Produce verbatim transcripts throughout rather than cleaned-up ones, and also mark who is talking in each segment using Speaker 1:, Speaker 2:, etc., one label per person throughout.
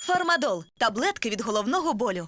Speaker 1: Фармадол – таблетки від головного болю.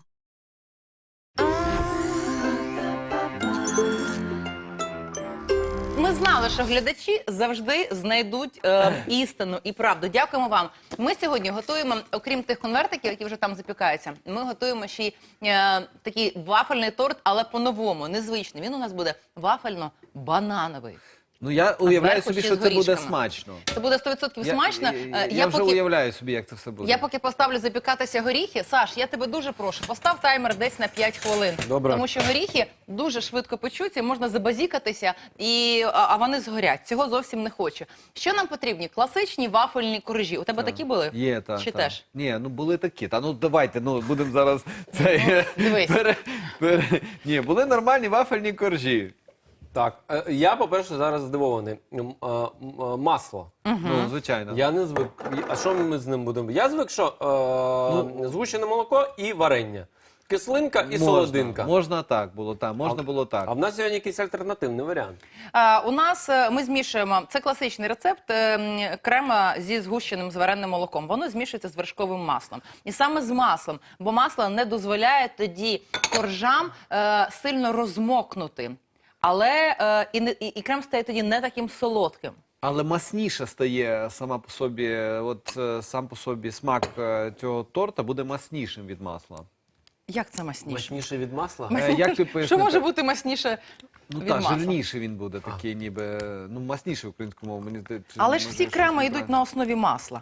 Speaker 2: Ми знали, що глядачі завжди знайдуть е, істину і правду. Дякуємо вам. Ми сьогодні готуємо, окрім тих конвертиків, які вже там запікаються, ми готуємо ще й е, такий вафельний торт, але по-новому, незвичний. Він у нас буде вафельно-банановий.
Speaker 3: Ну, я уявляю
Speaker 2: зверху
Speaker 3: собі,
Speaker 2: ще
Speaker 3: що
Speaker 2: з
Speaker 3: це буде
Speaker 2: горішками.
Speaker 3: смачно.
Speaker 2: Це буде сто відсотків смачно.
Speaker 3: Я,
Speaker 2: Е,
Speaker 3: я, я вже
Speaker 2: поки...
Speaker 3: уявляю собі, як це все буде.
Speaker 2: Я поки поставлю запікатися горіхи. Саш, я тебе дуже прошу, постав таймер десь на п'ять хвилин.
Speaker 3: Добре.
Speaker 2: Тому що горіхи дуже швидко печуться, можна забазікатися, і, а, а вони згорять. Цього зовсім не хочу. Що нам потрібні? Класичні вафельні коржі. У тебе такі були?
Speaker 3: Є, так.
Speaker 2: Чи
Speaker 3: та.
Speaker 2: теж?
Speaker 3: Ні, ну були такі. Та ну давайте, ну будемо зараз... Це,
Speaker 2: Дивись.
Speaker 3: пере, пере... Ні, були нормальні вафельні коржі.
Speaker 4: Так, е, я, по-перше, зараз здивований. М, а, м, а, Масло.
Speaker 3: Ну, звичайно.
Speaker 4: Я не звик. А що ми з ним будемо? Я звик, що е, згущене молоко і варення. Кислинка і
Speaker 3: Можна,
Speaker 4: солодинка.
Speaker 3: Можна так було, так. Можна було так.
Speaker 4: А в нас сьогодні якийсь альтернативний варіант.
Speaker 2: А, у нас е, ми змішуємо, це класичний рецепт е, м, крема зі згущеним звареним молоком. Воно змішується з вершковим маслом. І саме з маслом, бо масло не дозволяє тоді коржам е, сильно розмокнути. Але е, і, не- і, і крем стає тоді не таким солодким.
Speaker 3: Але масніше стає сама по собі, от е, сам по собі смак е, цього торта буде маснішим від масла.
Speaker 2: Як це масніше?
Speaker 4: Мощніше від масла?
Speaker 3: Е, як ти
Speaker 2: Що
Speaker 3: пояснити?
Speaker 2: може бути масніше
Speaker 3: Ну
Speaker 2: від
Speaker 3: так,
Speaker 2: масла?
Speaker 3: жирніший він буде такий, ніби, ну масніший українською мовою, мені здається.
Speaker 2: Але ж
Speaker 3: може,
Speaker 2: всі
Speaker 3: щось
Speaker 2: креми
Speaker 3: не
Speaker 2: йдуть
Speaker 3: правильно.
Speaker 2: на основі масла.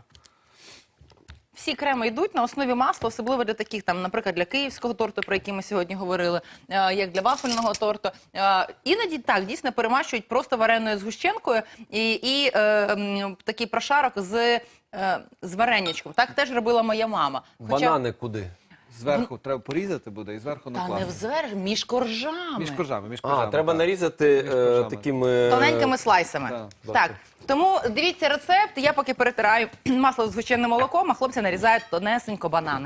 Speaker 2: Всі креми йдуть на основі масла, особливо для таких, там, наприклад, для київського торту, про який ми сьогодні говорили, е, як для вафельного торту. Е, іноді так, дійсно, перемащують просто вареною згущенкою і, і е, м, такий прошарок з, е, з варенячком. Так теж робила моя мама.
Speaker 4: Банани куди?
Speaker 3: Зверху треба порізати буде і зверху
Speaker 2: Та не
Speaker 3: накласти.
Speaker 2: взверх, між коржами.
Speaker 3: Між коржами, між коржами.
Speaker 4: А, треба
Speaker 3: так.
Speaker 4: нарізати е,
Speaker 3: коржами.
Speaker 4: такими...
Speaker 2: Тоненькими слайсами.
Speaker 3: Да.
Speaker 2: Так, тому дивіться рецепт. Я поки перетираю масло з звичайним молоком, а хлопці нарізають тонесенько банани.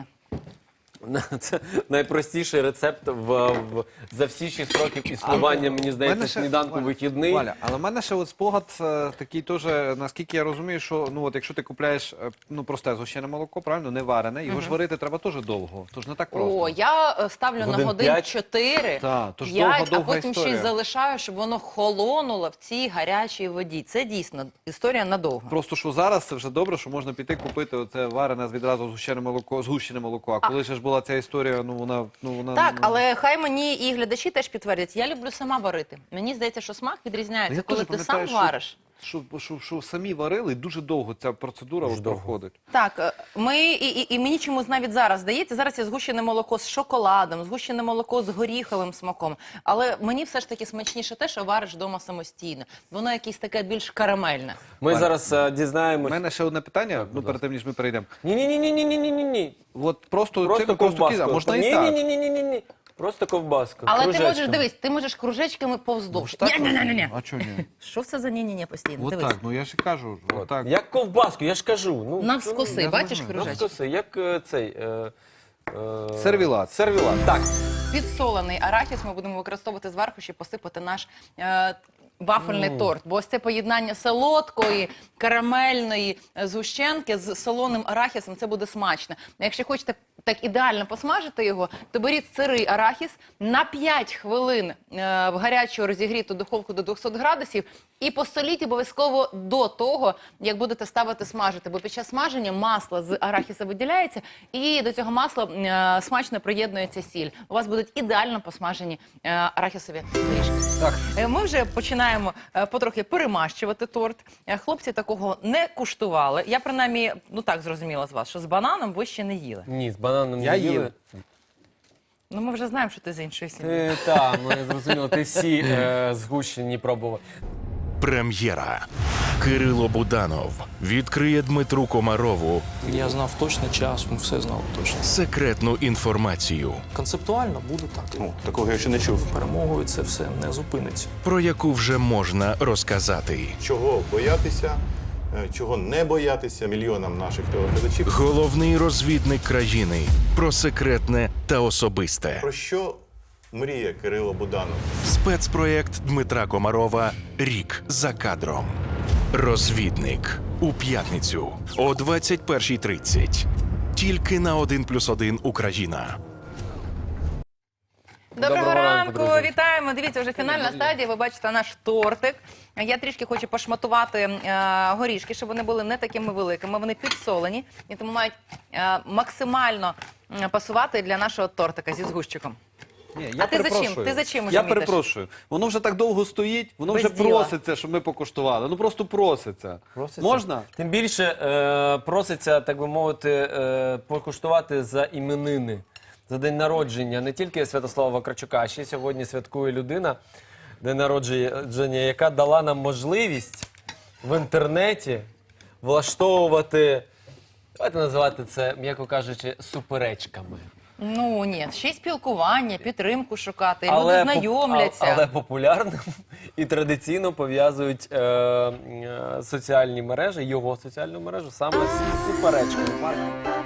Speaker 4: Це найпростіший рецепт в, в, за всі шість років існування, мені здається,
Speaker 3: Мене ще-
Speaker 4: сніданку
Speaker 3: Валя,
Speaker 4: вихідний.
Speaker 3: Валя, але в мене ще от спогад е, такий теж, наскільки я розумію, що ну от якщо ти купляєш е, ну просте згущене молоко, правильно, не варене, його ж варити треба теж довго. Тож не так просто.
Speaker 2: О, я е, ставлю
Speaker 4: Годин
Speaker 2: на годин
Speaker 4: п'ять?
Speaker 2: чотири,
Speaker 3: Та, то ж
Speaker 2: п'ять, а
Speaker 3: довга-довга
Speaker 2: потім ще й
Speaker 3: історія.
Speaker 2: залишаю, щоб воно холонуло в цій гарячій воді. Це дійсно історія надовго.
Speaker 3: Просто що зараз це вже добре, що можна піти купити оце варене відразу згущене молоко, згущене молоко. А коли ж була ця історія, ну вона ну вона
Speaker 2: Так,
Speaker 3: ну,
Speaker 2: але хай мені і глядачі теж підтвердять. Я люблю сама варити. Мені здається, що смак відрізняється,
Speaker 3: я
Speaker 2: коли
Speaker 3: теж
Speaker 2: ти сам
Speaker 3: пам'ятаю, що-
Speaker 2: вариш.
Speaker 3: Що, що, що самі варили, і дуже довго ця процедура от
Speaker 4: довго.
Speaker 3: проходить.
Speaker 2: Так, е, ми і, і, і мені чомусь навіть зараз здається, зараз є згущене молоко з шоколадом, згущене молоко з горіховим смаком. Але мені все ж таки смачніше те, що вариш вдома самостійно. Воно якесь таке більш карамельне.
Speaker 4: Ми
Speaker 3: Валя,
Speaker 4: зараз е,
Speaker 3: У
Speaker 4: дізнаємось.
Speaker 3: мене ще одне питання, ну
Speaker 4: будь
Speaker 3: перед тим, ніж ми перейдемо.
Speaker 4: Ні-ні-ні-ні-ні-ні-ні.
Speaker 3: От просто,
Speaker 4: Просто
Speaker 3: цим просто
Speaker 4: ковбаску.
Speaker 3: кіза, можна і так.
Speaker 4: Ні-ні-ні-ні-ні. Просто ковбаску.
Speaker 2: Але ти
Speaker 4: кружечком.
Speaker 2: можеш, дивись, ти можеш кружечками повздовж.
Speaker 3: Ну, Так,
Speaker 2: Ні-ні-ні-ні.
Speaker 3: А чого ні?
Speaker 2: Що це за ні-ні-ні постійно?
Speaker 3: От
Speaker 2: Дивись.
Speaker 3: так, ну я ж і кажу, от так.
Speaker 4: Як ковбаску, я ж кажу. Ну,
Speaker 2: Навскоси,
Speaker 3: я
Speaker 2: бачиш
Speaker 3: зрозумів.
Speaker 2: кружечки?
Speaker 4: Навскоси, як е, цей... Е, е,
Speaker 3: Сервілат.
Speaker 4: Сервілат, так.
Speaker 2: Підсолений арахіс ми будемо використовувати зверху, щоб посипати наш е, вафельний торт. Бо ось це поєднання солодкої, карамельної е, згущенки з солоним арахісом, це буде смачно. Якщо хочете так ідеально посмажити його, то беріть сирий арахіс на п'ять хвилин е, в гарячу розігріту духовку до двохсот градусів і посоліть обов'язково до того, як будете ставити смажити. Бо під час смаження масло з арахіса виділяється і до цього масла е, смачно приєднується сіль. У вас будуть ідеально посмажені е, арахісові горішки.
Speaker 3: Так.
Speaker 2: Е, Ми вже починаємо е, потрохи перемащувати торт. Е, Хлопці такого не куштували. Я принаймні, ну так зрозуміла з вас, що з бананом ви ще не їли.
Speaker 4: Ні, з бананом
Speaker 3: Я
Speaker 4: не
Speaker 3: їв.
Speaker 4: їли.
Speaker 2: Ну ми вже знаємо, що ти з іншої сім'ї.
Speaker 4: Ти, та, ми зрозуміли, ти всі е, згущені пробував.
Speaker 5: Прем'єра. Кирило Буданов відкриє Дмитру Комарову
Speaker 6: Я знав точний час, ми все знали точно.
Speaker 5: секретну інформацію,
Speaker 6: Концептуально буде так.
Speaker 7: Ну, такого я ще не чув.
Speaker 6: Перемогою це все не зупиниться.
Speaker 5: про яку вже можна розказати.
Speaker 7: Чого боятися, е, чого не боятися мільйонам наших телеглядачів.
Speaker 5: Головний розвідник країни про секретне та особисте.
Speaker 7: Про що мріє Кирило Буданов?
Speaker 5: Спецпроєкт Дмитра Комарова «Рік за кадром». Розвідник у п'ятницю о двадцять першій тридцять Тільки на один плюс один Україна.
Speaker 2: Доброго,
Speaker 4: Доброго ранку,
Speaker 2: ранку,
Speaker 4: друзі.
Speaker 2: вітаємо. Дивіться, вже фінальна стадія. Ви бачите наш тортик. Я трішки хочу пошматувати е, горішки, щоб вони були не такими великими. Вони підсолені і тому мають е, максимально м, пасувати для нашого тортика зі згущиком.
Speaker 3: Ні,
Speaker 2: А ти за чим? Ти за чим уже
Speaker 3: Я
Speaker 2: мітиш?
Speaker 3: перепрошую. Воно вже так довго стоїть, воно
Speaker 2: Без
Speaker 3: вже
Speaker 2: діла.
Speaker 3: проситься, щоб ми покуштували. Ну просто проситься.
Speaker 4: Проситься?
Speaker 3: Можна?
Speaker 4: Тим більше е, проситься, так би мовити, е, покуштувати за іменини, за день народження не тільки Святослава Вакарчука, а ще сьогодні святкує людина, день народження, яка дала нам можливість в інтернеті влаштовувати, давайте називати це, м'яко кажучи, суперечками.
Speaker 2: Ну ні, ще й спілкування, підтримку шукати. Люди
Speaker 4: поп-
Speaker 2: знайомляться.
Speaker 4: а- але популярним і традиційно пов'язують е, е, соціальні мережі, його соціальну мережу саме з суперечками.